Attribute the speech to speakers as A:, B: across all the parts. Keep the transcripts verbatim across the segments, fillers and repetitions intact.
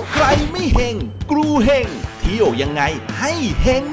A: ใครไม่เฮงกรูเฮงเที่ยวยังไงให้เฮง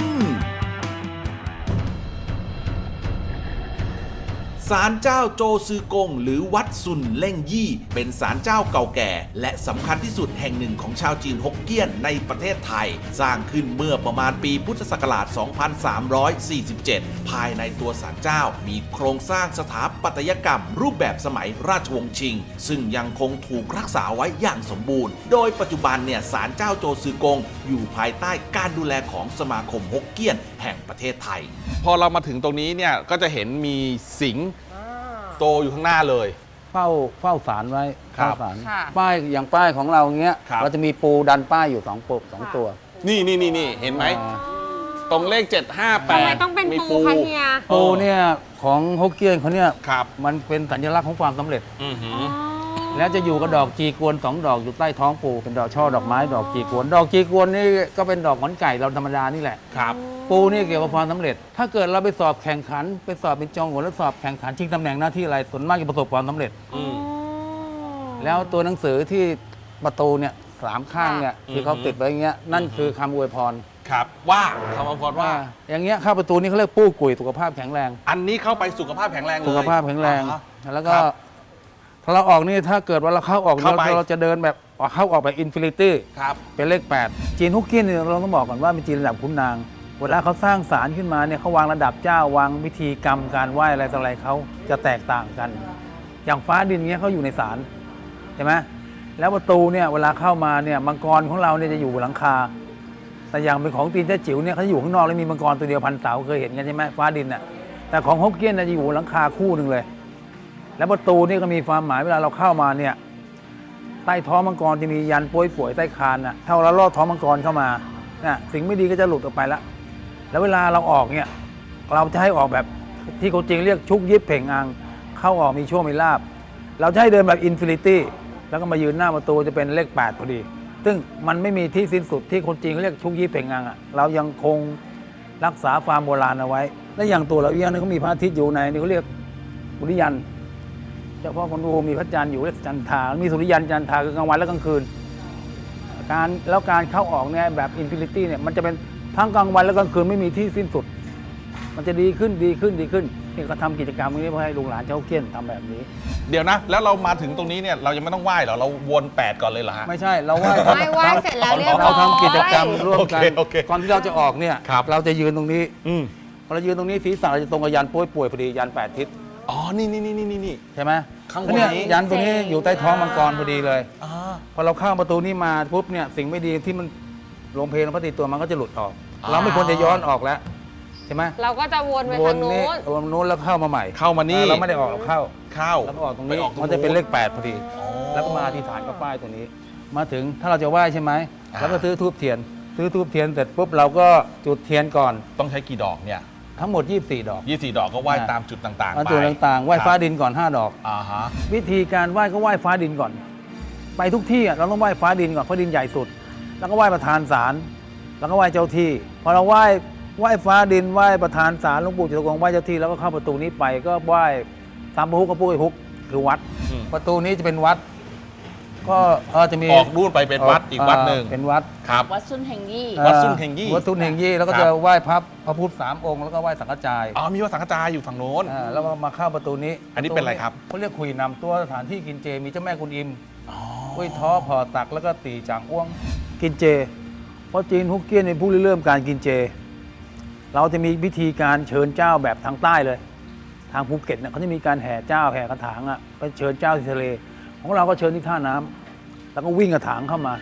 A: ศาลเจ้าโจซือกงหรือวัดซุนเล่งยี่เป็นศาลเจ้าเก่าแก่และสำคัญที่สุดแห่งหนึ่งของชาวจีนฮกเกี้ยนในประเทศไทยสร้างขึ้นเมื่อประมาณปีพุทธศักราช สองพันสามร้อยสี่สิบเจ็ด ภายในตัวศาลเจ้ามีโครงสร้างสถาปัตยกรรมรูปแบบสมัยราชวงศ์ชิงซึ่งยังคงถูกรักษาไว้อย่างสมบูรณ์โดยปัจจุบันเนี่ยศาลเจ้าโจซือกงอยู่ภายใต้การดูแลของสมาคมฮกเกี้ยนแห่งประเทศไทย
B: พอเรามาถึงตรงนี้เนี่ยก็จะเห็นมีสิงห์โตอยู่ข้างหน้าเลย
C: เฝ้าเฝ้าศาลไว้
B: ครับ
C: เฝ้าศาลป้ายอย่างป้ายของเราเงี้ยเราจะมีปูดันป้ายอยู่สองปูสองตัว
B: นี่นี่นี่นี่เห็นไหมตรงเลขเจ็ดห้าแปด
D: ทำไมต้องเป็นปูคะเฮีย
C: ปูเนี่ยของฮกเกี้ยนเขาเนี่ย
B: ครับ
C: มันเป็นสัญลักษณ์ของความสำเร็จ
B: อือหือ
C: แล้วจะอยู่กับดอกจีกวนสองดอกอยู่ใต้ท้องปูเป็นดอกช่อดอกไม้ดอกจีกวนดอกจีกวนนี่ก็เป็นดอกหงอนไก่เราธรรมดานี่แหละ
B: ครับ
C: ปูนี่เกี่ยวกับความสำเร็จถ้าเกิดเราไปสอบแข่งขันไปสอบเป็นจองหัวแล้วสอบแข่งขันชิงตำแหน่งหน้าที่อะไรส่วนมากจะประสบความสำเร็จแล้วตัวหนังสือที่ประตูเนี่ยสามข้างเนี่ยที่เขาติดไว้อย่างเงี้ยนั่นคือคำอวยพร
B: ครับว่าคำอวยพรว่า
C: อย่างเงี้ยเข้าประตูนี้เขาเรียกปู้กุยสุขภาพแข็งแรง
B: อันนี้เข้าไปสุขภาพแข็งแรงเลย
C: สุขภาพแข็งแรงแล้วก็พอเราออกนี่ถ้าเกิดว่าเราเข้าออกเราเราจะเดินแบบเข้าออกแบบอินฟินิตี้เป็นเลขแปดจีนฮกเกี้ยนเนี่ยเราต้องบอกก่อนว่าเป็นจีนระดับขุนนางเวลาเขาสร้างศาลขึ้นมาเนี่ยเขาวางระดับเจ้าวางวิธีกรรมการไหว้อะไรต่ออะไรเขาจะแตกต่างกันอย่างฟ้าดินเงี้ยเขาอยู่ในศาลใช่ไหมแล้วประตูเนี่ยเวลาเข้ามาเนี่ยมังกรของเราเนี่ยจะอยู่บนหลังคาแต่อย่างเป็นของตีนเจ้าจิ๋วเนี่ยเขาอยู่ข้างนอกแล้วมีมังกรตัวเดียวพันเสาเคยเห็นกันใช่ไหมฟ้าดินน่ะแต่ของฮกเกี้ยนจะอยู่บนหลังคาคู่หนึ่งเลยแล้วประตูนี่ก็มีความหมายเวลาเราเข้ามาเนี่ยใต้ท้องมังกรจะมียันป่วยป่วยใต้คานน่ะถ้าเราลอดท้องมังกรเข้ามาน่ะสิ่งไม่ดีก็จะหลุดออกไปละแล้วเวลาเราออกเนี่ยเราจะให้ออกแบบที่คนจริงเรียกชุกยิบเพ่งอังเข้าออกมีช่วงมีลาบเราจะให้เดินแบบอินฟินิตี้แล้วก็มายืนหน้าประตูจะเป็นเลขแปดพอดีซึ่งมันไม่มีที่สิ้นสุดที่คนจริงเรียกชุกยิบเพ่งอังอ่ะเรายังคงรักษาความโบราณเอาไว้และอย่างตัวเราเองนี่เขามีพระอาทิตย์อยู่ในนี่เขาเรียกสุริยันเฉพาะคนดูมีพระจันทร์อยู่เรียกจันทรามีสุริยันจันทราคือกลางวันและกลางคืนการแล้วการเข้าออกเนี่ยแบบอินฟินิตี้เนี่ยมันจะเป็นทั้งกลางวันและกลางคืนไม่มีที่สิ้นสุดมันจะดีขึ้นดีขึ้นดีขึ้นนี่ก็ทำกิจกรรมนี้เพื่อให้ลุงหลานเจ้าเกี้ยนทำแบบนี้
B: เดี๋ยวนะแล้วเรามาถึงตรงนี้เนี่ยเรายังไม่ต้องไหว้เหรอเราวนแปดก่อนเลยเหรอฮะ
C: ไม่ใช่เราไหว้
D: ไม่ไหว้เสร็จแล้วเรียบร้อย
C: เราทำกิจกรรมร่วมกันก่อนที่เราจะออกเนี่ย
B: ครับ
C: เราจะยืนตรงนี้
B: อืม
C: พอเรายืนตรงนี้ศีรษะเราจะตรงกับยันป่วยป่วยพอดียันแปดทิศ
B: อ๋อนี่นี่นี่นี่นี่
C: ใช่ไหม
B: ข้างบนนี้
C: ยันตัวนี้อยู่ใต้ท้องมังกรพอดีเลย
B: อ๋อ
C: พอเราเข้าประตูนี้มาปุ๊บเนี่ยสิ่งไม่ดีที่มันลงเพลงพระติตัวมันก็จะหลุดออกเราไม่ควรจะย้อนออกแล้วใช่ไหม
D: เราก็จะวนไปทางโน้น
C: วนโน้นแล้วเข้ามาใหม่
B: เข้ามานี่
C: เราไม่ได้ออกเราเข้า
B: เข้า
C: แล้วก็ออกตรงนี้มันจะเป็นเลขแปดพอดีแล้วก็มาอธิษฐานกับป้ายตัวนี้มาถึงถ้าเราจะไหว้ใช่ไหมแล้วก็ซื้อธูปเทียนซื้อธูปเทียนเสร็จปุ๊บเราก็จุดเทียนก่อน
B: ต้องใช้กี่ดอกเนี่ย
C: ทั้งหมดยี่สิบสี่ดอก
B: ยี่สิบสี่ดอกก็ไหว้ตามจุดต่างๆไป
C: จุดต่างๆไหว้ฟ้าดินก่อนห้าดอก
B: อ่าฮะ
C: วิธีการไหว้ก็ไหว้ฟ้าดินก่อน ไปทุกที่เราต้องไหว้ฟ้าดินก่อนฟ้าดินใหญ่สุดแล้วก็ไหว้ประธานศาลแล้วก็ไหว้เจ้าที่พอเราไหว้ไหว้ฟ้าดินไหว้ประธานศาลหลวงปู่จตุรงค์ไหว้เจ้าที่แล้วก็เข้าประตูนี้ไปก็ไหว้ตามพระฮุกกับปุ้ยฮุกคือวัดประตูนี้จะเป็นวัดก็เออจะมี
B: ออกนู่นไปเป็นวัดอีกวัดหนึ่ง
C: เป็นวัด
B: ครับ
D: วัดซุนเฮงยี่
B: วัดซุนเฮงยี่
C: วัดซุนเฮงยี่แล้วก็จะไหว้พระพระพุทธสามองค์แล้วก็ไหว้สังฆจาย
B: อ๋อมีวัดสังฆจายอยู่ฝั่งโน้น
C: แล้วก็มาเข้าประตูนี้
B: อันนี้เป็นอะไรครับ
C: เขาเรียกขุยนำตัวสถานที่กินเจมีเจ้าแม่กุนอิมกุ้ยท้อพอตักแล้วก็ตีจางอ้วงกินเจเพราะจีนฮกเกี้ยนในผู้เริ่มการกินเจเราจะมีพิธีการเชิญเจ้าแบบทางใต้เลยทางภูเก็ตเนี่ยเขาจะมีการแห่เจ้าแห่กระถางอ่ะไปเชิญเจ้าที่ทะเลของเราก็เชิญที่ท่าน้ำแล้วก็วิ่งกระถางเข้ามา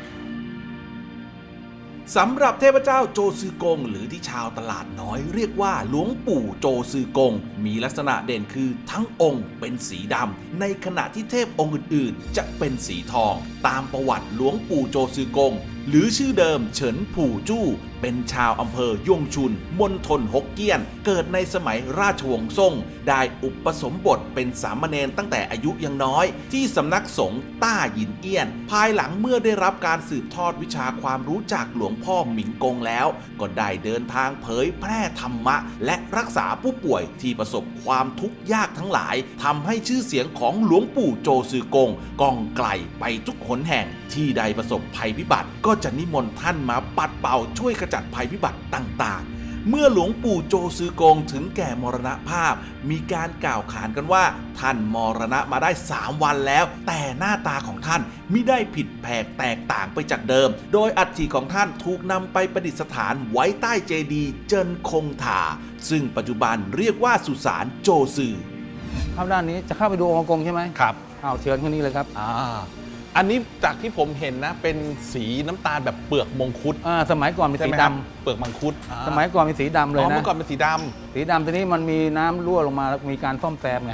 A: สำหรับเทพเจ้าโจซือกงหรือที่ชาวตลาดน้อยเรียกว่าหลวงปู่โจซือกงมีลักษณะเด่นคือทั้งองค์เป็นสีดำในขณะที่เทพองค์อื่นๆจะเป็นสีทองตามประวัติหลวงปู่โจซือกงหรือชื่อเดิมเฉินผู่จู้เป็นชาวอำเภอยงชุนมณฑลฮกเกี้ยนเกิดในสมัยราชวงศ์ซ่งได้อุปสมบทเป็นสามเณรตั้งแต่อายุยังน้อยที่สำนักสงฆ์ต้าหยินเอี้ยนภายหลังเมื่อได้รับการสืบทอดวิชาความรู้จากหลวงพ่อหมิงกงแล้วก็ได้เดินทางเผยแพร่ธรรมะและรักษาผู้ป่วยที่ประสบความทุกข์ยากทั้งหลายทำให้ชื่อเสียงของหลวงปู่โจซือกงก้องไกลไปทุกหนแห่งที่ใดประสบภัยพิบัติก็จะนิมนต์ท่านมาปัดเป่าช่วยขจัดภัยพิบัติต่างๆ เมื่อหลวงปู่โจซือกงถึงแก่มรณภาพ มีการกล่าวขานกันว่าท่านมรณะมาได้สามวันแล้ว แต่หน้าตาของท่านมิได้ผิดแผกแตกต่างไปจากเดิม โดยอัฐิของท่านถูกนำไปประดิษฐานไว้ใต้เจดีย์เจินคงถาซึ่งปัจจุบันเรียกว่าสุสานโจซือ
C: เข้าด้านนี้จะเข้าไปดูองค์กงใช่ไหม
B: ครับ
C: เอาเชิญคนนี้เลยครับ
B: อ่าอันนี้จากที่ผมเห็นนะเป็นสีน้ำตาลแบบเปลือกมงคุด
C: อ่าสมัยก่อนเป็น
B: ใช่
C: สี
B: ไหม
C: ด
B: ครับเปลือกมังคุดอ่า
C: ำสมัยก่อนเป็นสีดำเลย
B: อ๋อ
C: นะ
B: เมื่อก่อนเป็นสีดำ
C: สีดำทีนี้มันมีน้ำรั่วลงมาแล้วมีการซ่อมแซมไง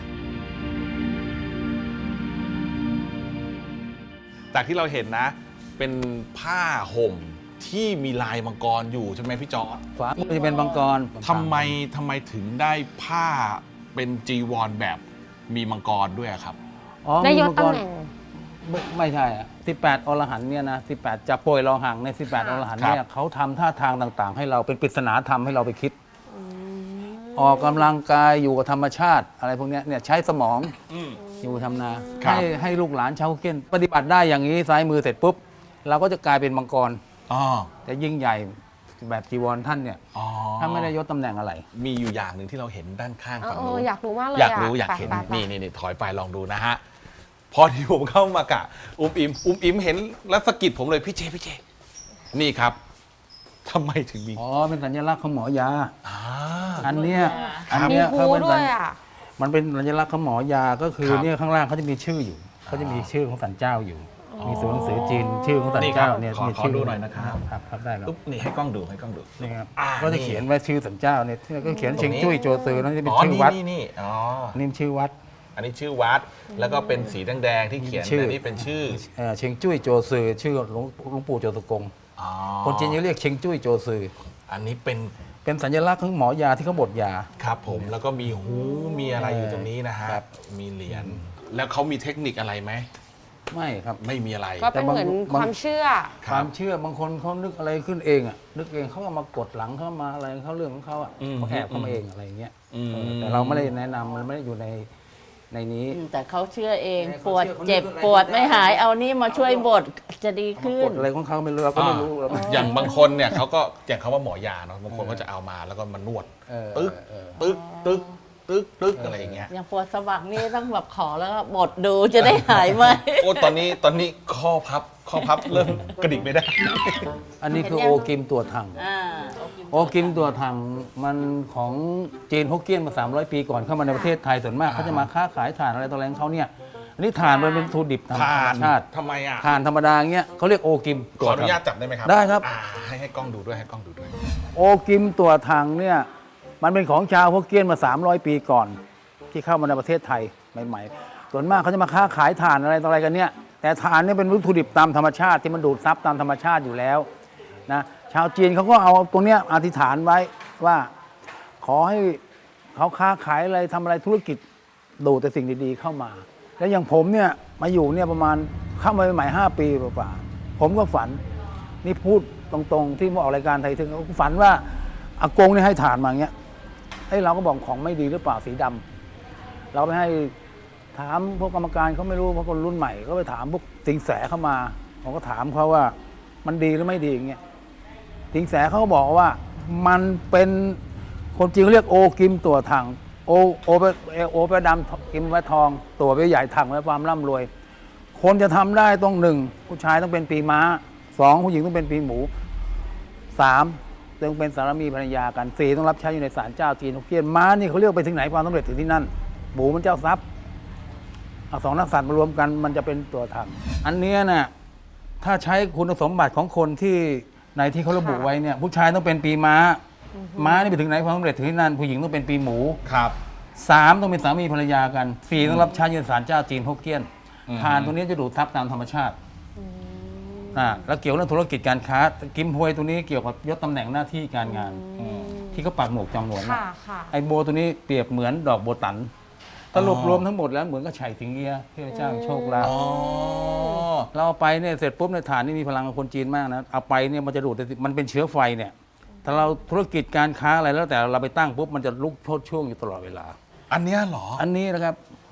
B: จากที่เราเห็นนะ เป็นผ้าห่มที่มีลายมังกรอยู่ใช่ไหมพี่จอร์จ
C: ฝามือจะเป็นมังกร
B: ทำไมทำไมถึงได้ผ้าเป็นจีวรแบบมีมังกรด้วยอะครับ
C: อ๋อ
D: ได้ยศ
C: มีมังก
D: ตำ
C: ร
D: แหน่ง
C: ไม่ไม่ใช่อะสิบแปดอรหันต์เนี่ยนะสิบแปดจะโปรยรอหังในสิบแปด
D: ค่ะ
C: อรหันต์เนี่ยเขาทำท่าทางต่างๆ ให้เราเป็นปริศนาธรรมให้เราไปคิด ออกกำลังกายอยู่กับธรรมชาติ อะไรพวกเนี้ยเนี่ยใช้สมอง
B: อืม
C: อยู่ทำนา
B: ครับ
C: ให้ให้ลูกหลานชาวเก้นปฏิบัติได้อย่างนี้ซ้ายมือเสร็จปุ๊บ เราก็จะกลายเป็นมังกร
B: อ๋อ
C: แต่ยิ่งใหญ่แบบจีวรท่านเนี่ย
B: อ๋อ
C: ถ้าไม่ได้ยศตำแหน่งอะไร
B: มีอยู่อย่างหนึ่งที่เราเห็นด้านข้าง
D: เออ
B: ฝั่ง
D: เอ
B: นู้
D: อน อยากรู้มากเลย
B: อยากรู้อยาก
D: ไป
B: เห็น
D: ไปไป
B: นี่นี่นี่ถอยไปลองดูนะฮะ พอที่ผมเข้ามากะ อุ้มอิมอุ้มอิมเห็นแล้วสะกิดผมเลยพี่เจพี่เจ นี่ครับทำไมถึงมี
C: อ๋อ เป็นสัญลักษณ์ของหมอยา
B: อ่า
C: อันเนี้ยอัน
D: มี
C: เนี้ย
D: ภู
C: เขาเป็น
D: ด้
C: สั
D: วย
C: ญ
D: อ่ะ
C: มันเป็นสัญลักษณ์ของหมอยาก็คือ
B: ครับ
C: เนี่ยข้างล่างเขาจะมีชื่ออยู่เขาจะมีชื่อของสันเจ้าอยู่
B: อ๋อ
C: มีตัวหนังสือจีนชื่อของสัน
B: นี่ครับ
C: เจ้าเนี่ย
B: ขอ
C: มี
B: ขอ
C: ชื่
B: ดูหน่อยนะครับ
C: ครับครับได้ครับ
B: อุ๊บนี่ให้กล้องดูให้กล้องดู
C: นี่ครับ
B: อ่า
C: ก็จะเขียนไว้ชื่อสันเจ้าเนี่ยที่ก็เขียน
B: ตรง
C: เชียง
B: นี้
C: จุ้ยโจซือนั่นจะเป็น
B: อ๋อ
C: ชื่อ
B: นี่
C: วัด
B: นี่นี่อ๋อ
C: นี่ชื่อวัด
B: อันนี้ชื่อวัด แล้วก็เป็นสีแดงๆที่เขียน
C: ชื่อ
B: แต่นี่เป็นชื่อ
C: เอ่อเชียงจุ้ยโจซือชื่อหลวงหลวงปู่โจตุกง
B: อ๋อ
C: คนจีนจะเรียกเชียงจุ้ยโจซือ
B: อันนี้เป็น
C: เป็นสัญลักษณ์ของหมอยาที่เขาบดยา
B: ครับผมแล้วก็มีหูมีอะไรอยู่ตรงนี้นะฮะ
C: ครับ
B: มีเหรียญแล้วเขามีเทคนิคอะไรไหม
C: ไม่ครับ
B: ไม่มีอะไร
D: ก็เป็นเหมือน
C: แต่บาง
D: ความเชื่อ
B: ค
C: ครับ วามเชื่อบางคนเขานึกอะไรขึ้นเองอ่ะนึกเองเขาก็มากดหลังเขามาอะไรเขาเรื่องของเขาอ่ะ
B: อืม
C: เขาแอบเข้ามาเองอะไรอย่างเงี้ย
B: อืม
C: เออแต่เราไม่ได้แนะนำมันไม่ได้อยู่ในในนี้
E: อืมแต่เขาเชื่อเอง
C: เนี่ย
E: ปวด
C: เขาเชื่อ
E: เจ็บ
C: เขาเรียก
E: ปวดไม่หายเอานี่มาช่วยบดจะดีขึ้
C: ก
E: น
C: ดอะไรของเขาไม่รู้เราก็ไม่รู้เราไม่
B: อย่างบางคนเนี่ยเขาก็อย่างเขาว่าหมอยาเนาะบางคนก็จะเอามาแล้วก็มานวด
C: เออ
B: ตึ๊ก
C: เออ
B: ตึ๊กตึ๊กตึ๊กตึ๊กอะไรอย่างเงี้ย
E: อย่างปวดสะบักนี่ต้องแบบขอแล้วก็บดดูจะได้หายไหม
B: โอ้ตอนนี้ตอนนี้ข้อพับข้อพับเริ่มกระดิกไม่ได้
C: อันนี้คือ
E: เห็น
C: โอ
E: ยัง
C: กิมตัวถัง
E: อ่า
C: โอกิมตัวถังมันของจีนฮกเกี้ยนมา สามร้อย ปีก่อนเข้ามาในประเทศไทยส่วนมากเขาจะมาค้าขายถ่านอะไรต่ออะไรของเขาเนี่ยอันนี้ถ่านมันเป็นวัตถุดิบธรรม
B: ทาน
C: ชาติ
B: ทำไมอ่ะ
C: ถ่านธรรมดาอย่างเงี้ยเขาเรียกโอกิม
B: ขออนุญาตจับได้ไหมครับ
C: ได้ครับ
B: อ่าให้ให้กล้องดูด้วยให้กล้องดูด้วย
C: โอกิมตัวถังเนี่ยมันเป็นของชาวฮกเกี้ยนมา สามร้อย ปีก่อน ที่เข้ามาในประเทศไทยใหม่ๆส่วนมากเขาจะมาค้าขายถ่านอะไรต่ออะไรกันเนี่ยแต่ถ่านเนี่ยเป็นวัตถุดิบตามธรรมชาติที่มันดูดซับตามธรรมชาติอยู่แล้วนะชาวจีนเขาก็เอาตรงเนี้ยอธิษฐานไว้ว่าขอให้เขาค้าขายอะไรทำอะไรธุรกิจดูดแต่สิ่งดีๆเข้ามา แล้วอย่างผมเนี่ยมาอยู่เนี่ยประมาณเข้ามาใหม่ๆห้าปีกว่าๆผมก็ฝันนี่พูดตรงๆที่มาออกรายการไทยถึงฝันว่าอากงนี่ให้ฐานมาอย่างเงี้ยไอ้เราก็บอกของไม่ดีหรือเปล่าสีดำเราไปให้ถามพวกกรรมการเขาไม่รู้เพราะคนรุ่นใหม่ก็ไปถามพวกสิงแสเข้ามาผมก็ถามเขาว่ามันดีหรือไม่ดีอย่างเงี้ยสิงแสเขาก็บอกว่ามันเป็นคนจริงเรียกโอกิมตัวถังโอโอไปโอไปดำกิมไว้ทอง ตัวไปใหญ่ถังไว้ความร่ำรวย คนจะทำได้ต้องหนึ่งผู้ชายต้องเป็นปีม้าสองผู้หญิงต้องเป็นปีหมูสามต้องเป็นสามีภรรยากันสี่ต้องรับใช้อยู่ในศาลเจ้าจีนฮกเกี้ยนม้านี่เขาเรียกไปถึงไหนความสำเร็จถึงที่นั่นหมูมันเจ้าทรัพย์เอาสองนักสัตว์มารวมกันมันจะเป็นตัวถังอันเนี้ยน่ะถ้าใช้คุณสมบัติของคนที่ในที่เขาระบุไว้เนี่ยผู้ชายต้องเป็นปีม้าม้านี่ไปถึงไหนความสำเร็จถึงที่นั่นผู้หญิงต้องเป็นปีหมู
B: ครับ
C: สามต้องเป็นสามีภรรยากันสี่ต้องรับใช้ยืนศาลเจ้าจีนฮกเกี้ยน
B: อืม
C: ทานตัวนี้จะดูดทับตามธรรมชาติอ่าแล้วเกี่ยวเรื่องธุรกิจการค้ากิมฮวยตัวนี้เกี่ยวกับยศตำแหน่งหน้าที่การงาน ที่เขาปักหมวกจองหวนน่ะ
D: ค่ะค่ะ
C: ไอโบตัวนี้เปรียบเหมือนดอกโบตันสรุปรวมทั้งหมดแล้วเหมือนกับไฉสิงเอียเทพเจ้าแห่งโชคลาภ
B: อ๋อ
C: เราเอาไปเนี่ยเสร็จปุ๊บในฐานนี่มีพลังของคนจีนมากนะเอาไปเนี่ยมันจะดูดแต่มันเป็นเชื้อไฟเนี่ยถ้าเราธุรกิจการค้าอะไรแล้วแต่เราไปตั้งปุ๊บมันจะลุกโชดช่วงอยู่ตลอดเวลา
B: อันเนี้ยเหรอ
C: อันนี้นะครับ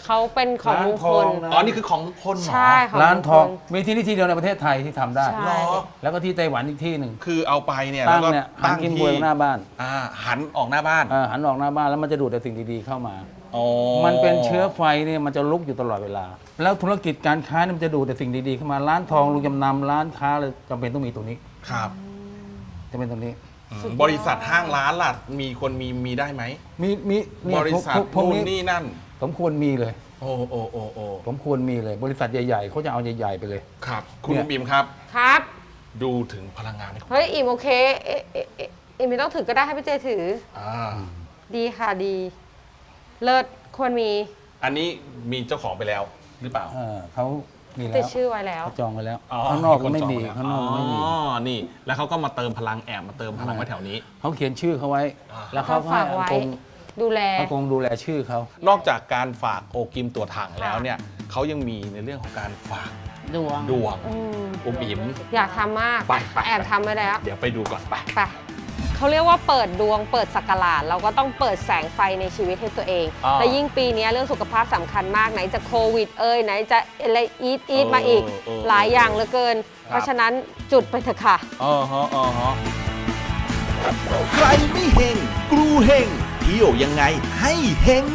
D: เขาเป็นของมงคล
C: ร้านทองนะ
B: อ๋อ นี่คือของมงคลเหรอ
D: ใช่ของ
C: ร้านทอง
D: มคล
C: มีที่นี่ที่เดียวในประเทศไทยที่ทำได้
D: ใช่
B: เหรอ
C: แล้วก็ที่ไต้หวันอีกที่หนึ่ง
B: คือเอาไปเนี่ย
C: ตั้
B: แล้ว
C: ง
B: ก็
C: เนี่ยหัน
B: ตั้ง
C: กินบ
B: ที่
C: วยหน้าบ้าน
B: อ่าหันออกหน้าบ้าน
C: เออหันออกหน้าบ้านแล้วมันจะดูดแต่สิ่งดีๆเข้ามา
B: อ๋อ
C: มันเป็นเชื้อไฟเนี่ยมันจะลุกอยู่ตลอดเวลา แล้วธุรกิจการค้าเนี่ยมันจะดูดแต่สิ่งดีๆเข้ามาร้านทองลุงจำนำร้านค้าเลยจำเป็นต้องมีตรงนี้
B: ครับ
C: จะเป็นตรงนี้
B: อืมบริษัทห้างร้านล่ะ มีคนมีมีได้ไหม
C: มีมีเนี่ย
B: บริษัท
C: พวกพวก
B: นู่น
C: นี้
B: นี่นั่น
C: ผมควรมีเลย
B: โอ้โอ้โอ้โอ้
C: ผมควรมีเลย บริษัทใหญ่ๆเขาจะเอาใหญ่ๆไปเลย
B: ครับ คุณ
C: เนี่ย
B: บิมครับ
D: ครับ
B: ดูถึงพลังงาน
D: เฮ้ย อิ่มโอเค เอ๊ะเอ๊ะเอ๊ะอิ่มไม่ต้องถือก็ได้ให้พี่เจถือ
B: อ่า
D: ดีค่ะดี เลิศควรมี
B: อันนี้มีเจ้าของไปแล้วหรือเปล่า
C: เออเขามี
D: ติ
C: แล้
D: ด
C: ว
D: ชื่อไว้แล้ว
C: เขาจองไว้แล้ว
B: อ๋อ
C: ข้างนอกก็
B: คน
C: ไม่
B: จอง
C: มี
B: ว้แล้ว
C: ข้างนอกก็ไม่มี
B: อ๋อ นี่ แล้วเขาก็มาเติมพลังแอบมาเติมพลังไว้แถวนี้
C: เขาเขียนชื่อเขาไว้
B: อ่า
C: แล้วเขาก็ให้
D: ฝากไว้
C: อากง
D: ดูแล
C: อากงดูแลชื่อเขา
B: นอกจากการฝากโอกิมตัวถังแล้วเนี่ยเขายังมีในเรื่องของการฝาก
E: ดวง
B: ดวง
D: อืม
B: อุมอิ๋ม
D: อยากทำมาก
B: ไปไป
D: แอบทำไว้แล้ว
B: เดี๋ยวไปดูก่อนไป
D: ไปเขาเรียกว่าเปิดดวงเปิดสักราชเราก็ต้องเปิดแสงไฟในชีวิตให้ตัวเอง
B: อ่า
D: และยิ่งปีนี้เรื่องสุขภาพสำคัญมากไหนจะโควิดเอ่ยไหนจะอะไรอีทอีทมาอีก
B: เออเออ
D: หลายอย่างเหลือเกิน เพราะฉะนั้นจุดไปเถอะค่ะ
B: อ๋อฮะอ๋อฮะ
A: ใครไม่เฮงกรูเฮงเที่ยวยังไงให้เฮง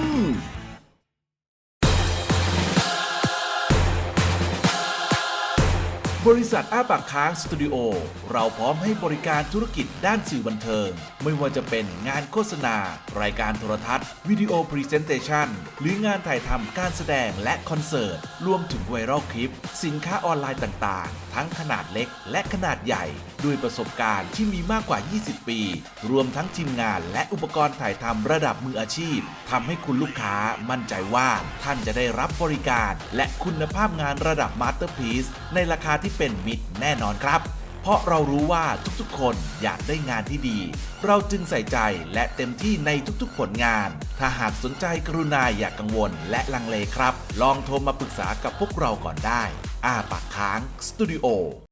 A: บริษัทอ้าปากค้างสตูดิโอเราพร้อมให้บริการธุรกิจด้านสื่อบันเทิง ไม่ว่าจะเป็นงานโฆษณา รายการโทรทัศน์ วิดีโอพรีเซนเตชันหรืองานถ่ายทำการแสดงและคอนเสิร์ต รวมถึงไวรัลคลิป สินค้าออนไลน์ต่างๆ ทั้งขนาดเล็กและขนาดใหญ่ ด้วยประสบการณ์ที่มีมากกว่า ยี่สิบ ปี รวมทั้งทีมงานและอุปกรณ์ถ่ายทำระดับมืออาชีพทำให้คุณลูกค้ามั่นใจว่าท่านจะได้รับบริการ และคุณภาพงานระดับมาสเตอร์พีซในราคาที่เป็นมิตรแน่นอนครับ เพราะเรารู้ว่าทุกๆคนอยากได้งานที่ดี เราจึงใส่ใจและเต็มที่ในทุกๆผลงาน ถ้าหากสนใจกรุณาอย่ากกังวลและลังเลครับ ลองโทรมาปรึกษากับพวกเราก่อนได้ อ้าปากค้างสตูดิโอ